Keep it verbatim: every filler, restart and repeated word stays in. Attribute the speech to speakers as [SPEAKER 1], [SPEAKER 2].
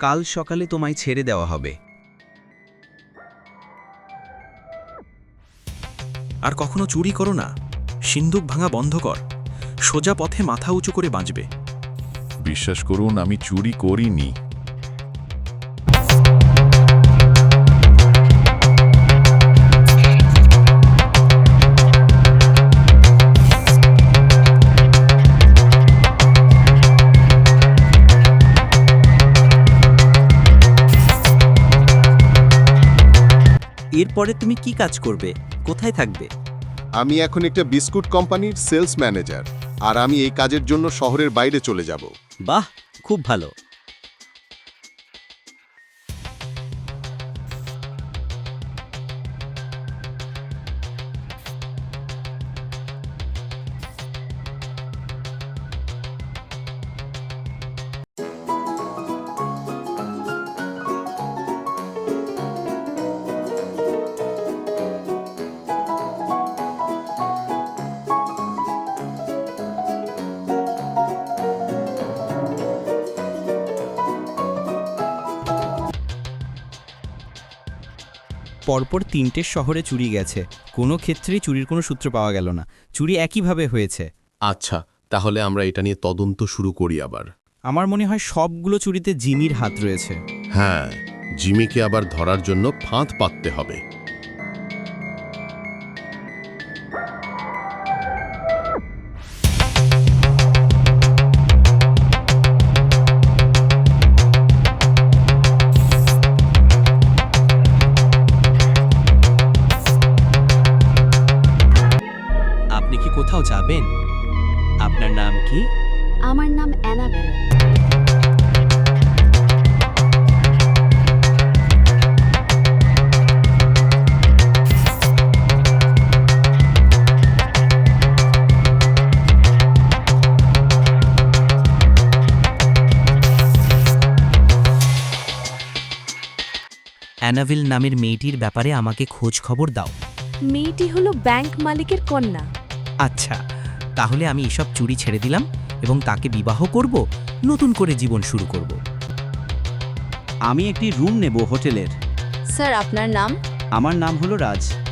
[SPEAKER 1] কাল সকালে তোমায় ছেড়ে দেওয়া হবে।
[SPEAKER 2] আর কখনো চুরি করো না, সিন্দুক ভাঙা বন্ধ কর, সোজা পথে মাথা উঁচু করে বাঁচবে।
[SPEAKER 3] বিশ্বাস করুন, আমি চুরি করিনি।
[SPEAKER 4] এরপরে তুমি কি কাজ করবে, কোথায় থাকবে?
[SPEAKER 5] আমি এখন একটা বিস্কুট কোম্পানির সেলস ম্যানেজার, আর আমি এই কাজের জন্য শহরের বাইরে চলে যাব।
[SPEAKER 4] বাহ, খুব ভালো। পরপর তিনটে শহরে চুরি গেছে, কোনো ক্ষেত্রেই চুরির কোনো সূত্র পাওয়া গেল না। চুরি একইভাবে হয়েছে।
[SPEAKER 6] আচ্ছা, তাহলে আমরা এটা নিয়ে তদন্ত শুরু করি আবার।
[SPEAKER 4] আমার মনে হয় সবগুলো চুরিতে জিমির হাত রয়েছে।
[SPEAKER 6] হ্যাঁ, জিমিকে আবার ধরার জন্য ফাঁদ পাততে হবে।
[SPEAKER 4] আপনি কি কোথাও যাবেন? আপনার নাম কি?
[SPEAKER 7] আমার নাম অ্যানাবেল।
[SPEAKER 4] অ্যানাভিল নামের মেয়েটির ব্যাপারে আমাকে খোঁজ খবর দাও।
[SPEAKER 7] মেয়েটি হলো ব্যাংক মালিকের কন্যা।
[SPEAKER 4] আচ্ছা, তাহলে আমি এসব চুরি ছেড়ে দিলাম এবং তাকে বিবাহ করব, নতুন করে জীবন শুরু করব।
[SPEAKER 8] আমি একটি রুম নেব হোটেলের।
[SPEAKER 7] স্যার, আপনার নাম?
[SPEAKER 8] আমার নাম হলো রাজ।